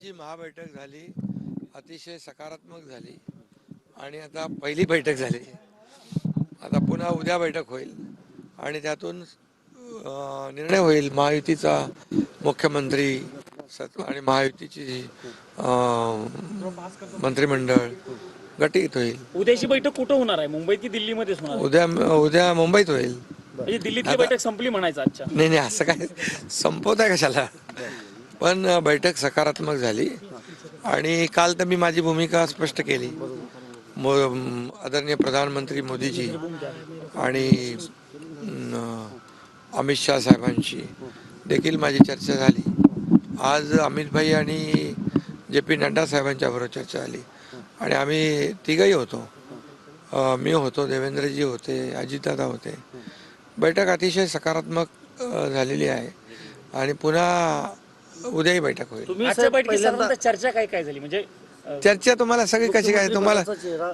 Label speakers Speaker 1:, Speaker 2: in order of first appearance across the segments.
Speaker 1: जी महाबैठक झाली अतिशय सकारात्मक झाली आणि आता पहिली बैठक झाली. आता पुन्हा उद्या बैठक होईल आणि त्यातून निर्णय होईल महायुतीचा मुख्यमंत्री आणि महायुतीची मंत्रिमंडळ गटीत होईल.
Speaker 2: उद्याची बैठक कुठं होणार आहे? मुंबईत की दिल्लीमध्येच होणार आहे?
Speaker 1: उद्या मुंबईत होईल.
Speaker 2: म्हणजे दिल्लीतली
Speaker 1: आता
Speaker 2: बैठक संपली म्हणायचं आजच्या.
Speaker 1: नाही असं काय संपवत आहे कशाला, पण बैठक सकारात्मक झाली आणि काल तर मी माझी भूमिका स्पष्ट केली. आदरणीय प्रधानमंत्री मोदीजी आणि अमित शाह साहेबांशी देखील माझी चर्चा झाली. आज अमित भाई आणि JP नड्डा साहेबांच्या बरोबर चर्चा झाली आणि आम्ही तिघही होतो. मी होतो, देवेंद्रजी होते, अजितदादा होते. बैठक अतिशय सकारात्मक झालेली आहे आणि पुन्हा उद्याही बैठक होईल.
Speaker 2: आजच्या बैठकीत साधारणतः चर्चा काय काय झाली? म्हणजे
Speaker 1: चर्चा तुम्हाला सगळी कशी काय तुम्हाला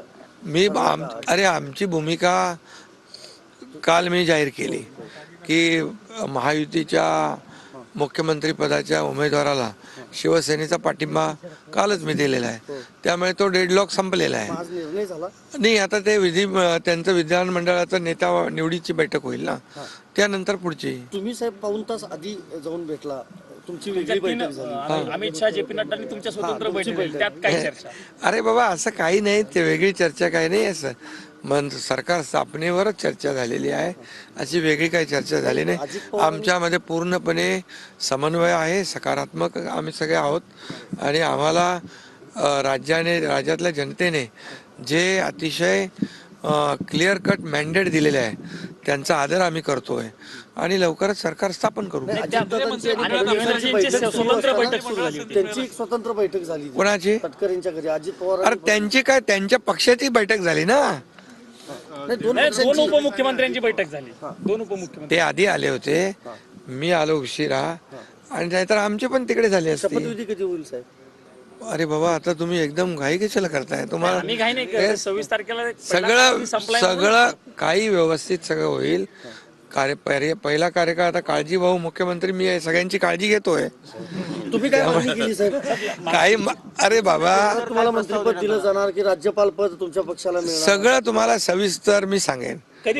Speaker 1: आमची भूमिका काल मी जाहीर केली की महायुतीच्या मुख्यमंत्री पदाच्या उमेदवाराला शिवसेनेचा पाठिंबा कालच मी दिलेला आहे. त्यामुळे तो डेडलॉक संपलेला आहे. नाही, आता ते त्यांचं विधानमंडळाचं नेता निवडीची बैठक होईल ना, त्यानंतर पुढची.
Speaker 3: तुम्ही साहेब पाऊण तास आधी जाऊन भेटला, तुमची वेगळी बैठक झाली.
Speaker 2: अमित शाह JP नड्डांनी तुमच्या स्वतंत्र बैठक झाली, त्यात काय चर्चा?
Speaker 1: अरे बाबा, असं काही नाही, ते वेगळी चर्चा काही नाही. असं सरकार स्थापनेवरच चर्चा झालेली आहे, अशी वेगळी काही चर्चा झाली नाही. आमच्यामध्ये पूर्णपणे समन्वय आहे, सकारात्मक आम्ही सगळे आहोत आणि आम्हाला राज्यातल्या जनतेने जे अतिशय क्लिअर कट मॅन्डेट दिलेले आहे त्यांचा आदर आम्ही करतोय आणि लवकरच सरकार स्थापन करू.
Speaker 2: स्वतंत्र बैठक सुरू झाली होती.
Speaker 3: त्यांची एक स्वतंत्र बैठक झाली.
Speaker 1: कोणाची?
Speaker 3: तटकरेंच्या घरी अजित पवार.
Speaker 1: अरे त्यांची काय, त्यांच्या पक्षाची बैठक झाली ना.
Speaker 2: दोन उपमुख्यमंत्र्यांची बैठक झाली. दोन उपमुख्यमंत्री
Speaker 1: ते आधी आले होते, मी आलो उशिरा आणि नाहीतर आमचे पण तिकडे झाले असते.
Speaker 3: शपथविधी कधी होईल साहेब?
Speaker 1: अरे बाबा, आता तुम्ही एकदम घाई कशाला करताय? तुम्हाला
Speaker 2: आम्ही काही नाही, 26 तारखेला
Speaker 1: सगळं काही व्यवस्थित सगळं होईल. पहिला कार्यकाळ आता काळजी भाऊ मुख्यमंत्री मी आहे, सगळ्यांची काळजी घेतोय.
Speaker 3: तुम्ही काय मागणी केली साहेब?
Speaker 1: काही अरे बाबा,
Speaker 3: तुम्हाला मंत्रिपद दिलं जाणार की राज्यपाल पद तुमच्या पक्षाला मिळणार?
Speaker 1: सगळं तुम्हाला सविस्तर मी सांगेन.
Speaker 2: कधी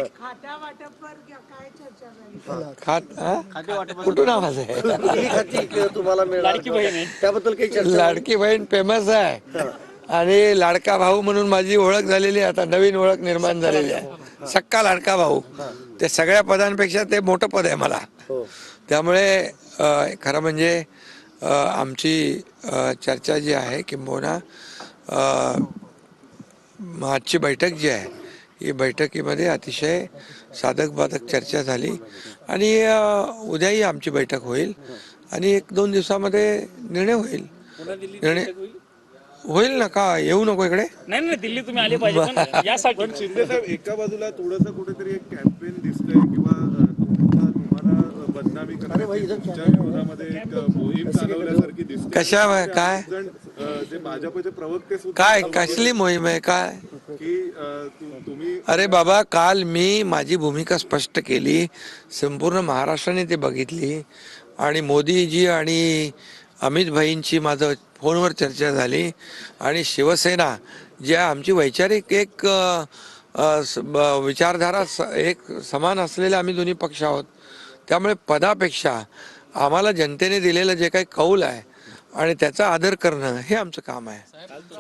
Speaker 1: कुठून आवाज आहे?
Speaker 3: तुम्हाला मिळणार
Speaker 2: लाडकी बहीण आहे,
Speaker 3: त्याबद्दल काही चर्चा?
Speaker 1: लाडकी बहीण फेमस आहे आणि लाडका भाऊ म्हणून माझी ओळख झालेली आहे. आता नवीन ओळख निर्माण झालेली आहे, सक्का लाडका भाऊ. ते सगळ्या पदांपेक्षा ते मोठं पद आहे मला. त्यामुळे खरं म्हणजे आमची चर्चा जी आहे, किंबहुना आजची बैठक जी आहे, ही बैठकीमध्ये अतिशय साधक बाधक चर्चा झाली आणि उद्याही आमची बैठक होईल आणि 1-2 दिवसामध्ये निर्णय होईल. निर्णय होईल ना. का येऊ नको इकडे?
Speaker 2: नाही, दिल्ली तुम्ही आले पाहिजे. पण यासाठी
Speaker 4: शिंदे साहेब, एका बाजूला थोडंसं कुठेतरी एक कॅम्पेन दिसतंय किंवा तुम्हाला बदनामी करण्याच्या विरोधामध्ये एक मोहीम चालवल्यासारखी दिसते.
Speaker 1: कशा काय
Speaker 4: जे भाजपचे प्रवक्ते सुद्धा
Speaker 1: काय कसली मोहीम आहे काय?
Speaker 4: की तुम्ही
Speaker 1: अरे बाबा, काल मी माझी भूमिका स्पष्ट केली, संपूर्ण महाराष्ट्राने ते बघितली आणि मोदीजी आणि अमित भाईंची माझं फोनवर चर्चा झाली आणि शिवसेना जी आमची वैचारिक एक विचारधारा एक समान असलेले आम्ही दोन्ही पक्ष आहोत. त्यामुळे पदापेक्षा आम्हाला जनतेने दिलेलं जे काही कौल आहे आणि त्याचा आदर करणं हे आमचं काम आहे.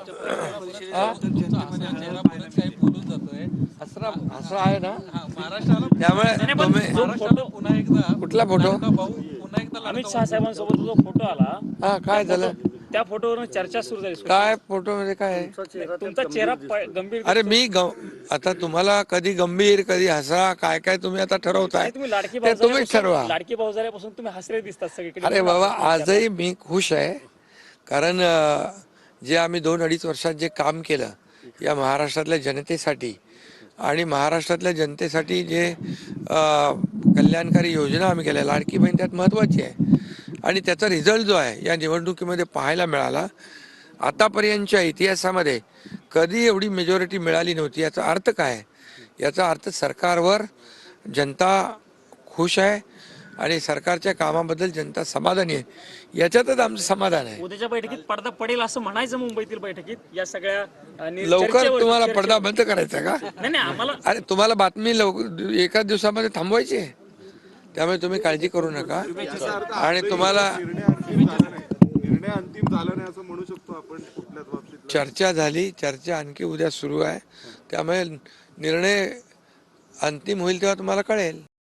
Speaker 1: असं आहे ना. त्यामुळे कुठला फोटो?
Speaker 2: अमित शाह साहेबांसोबत जो फोटो आला,
Speaker 1: काय झालं?
Speaker 2: त्या फोटोवरून चर्चा सुरू झाली.
Speaker 1: काय फोटो मध्ये काय आहे?
Speaker 2: तुमचा चेहरा गंभीर.
Speaker 1: अरे आता तुम्हाला कधी गंभीर कधी हसा काय काय तुम्ही आता ठरवताय,
Speaker 2: तुम्ही लाडकी
Speaker 1: ते तुम्हीच ठरवा.
Speaker 2: लाडकी भाऊ झाल्यापासून तुम्ही हसरे दिसतात सगळीकडे.
Speaker 1: अरे बाबा, आजही मी खुश आहे, कारण जे आम्ही 2-2.5 वर्षात जे काम केलं या महाराष्ट्रातल्या जनतेसाठी आणि महाराष्ट्रातल्या जनतेसाठी जे कल्याणकारी योजना आम्ही केल्या, लाडकी बहीण त्यात महत्त्वाची आहे आणि त्याचा रिझल्ट जो आहे या निवडणुकीमध्ये पाहायला मिळाला. आतापर्यंतच्या इतिहासामध्ये कधी एवढी मेजॉरिटी मिळाली नव्हती. याचा अर्थ काय? याचा अर्थ सरकारवर जनता खुश आहे आणि सरकारच्या कामाबद्दल जनता समाधानी आहे, याच्यातच आमचं समाधान आहे.
Speaker 2: उद्याच्या बैठकीत पडदा पडेल असं म्हणायचं मुंबईतील बैठकीत या सगळ्या
Speaker 1: लवकर
Speaker 2: चर्चेवर-
Speaker 1: तुम्हाला
Speaker 2: चर्चेवर.
Speaker 1: पडदा बंद करायचा का?
Speaker 2: नाही नाही आम्हाला
Speaker 1: अरे तुम्हाला बातमी एकाच दिवसामध्ये थांबवायची आहे, त्यामुळे तुम्ही काळजी करू नका.
Speaker 4: याचा अर्थ
Speaker 1: आणि
Speaker 4: आजही
Speaker 1: तुम्हाला
Speaker 4: निर्णय अंतिम झाला नाही, निर्णय अंतिम झाला नाही असं म्हणू शकतो आपण कुठल्याच बाबतीत.
Speaker 1: चर्चा झाली, चर्चा आणखी उद्या सुरू आहे, त्यामुळे निर्णय अंतिम होईल तेव्हा तुम्हाला कळेल.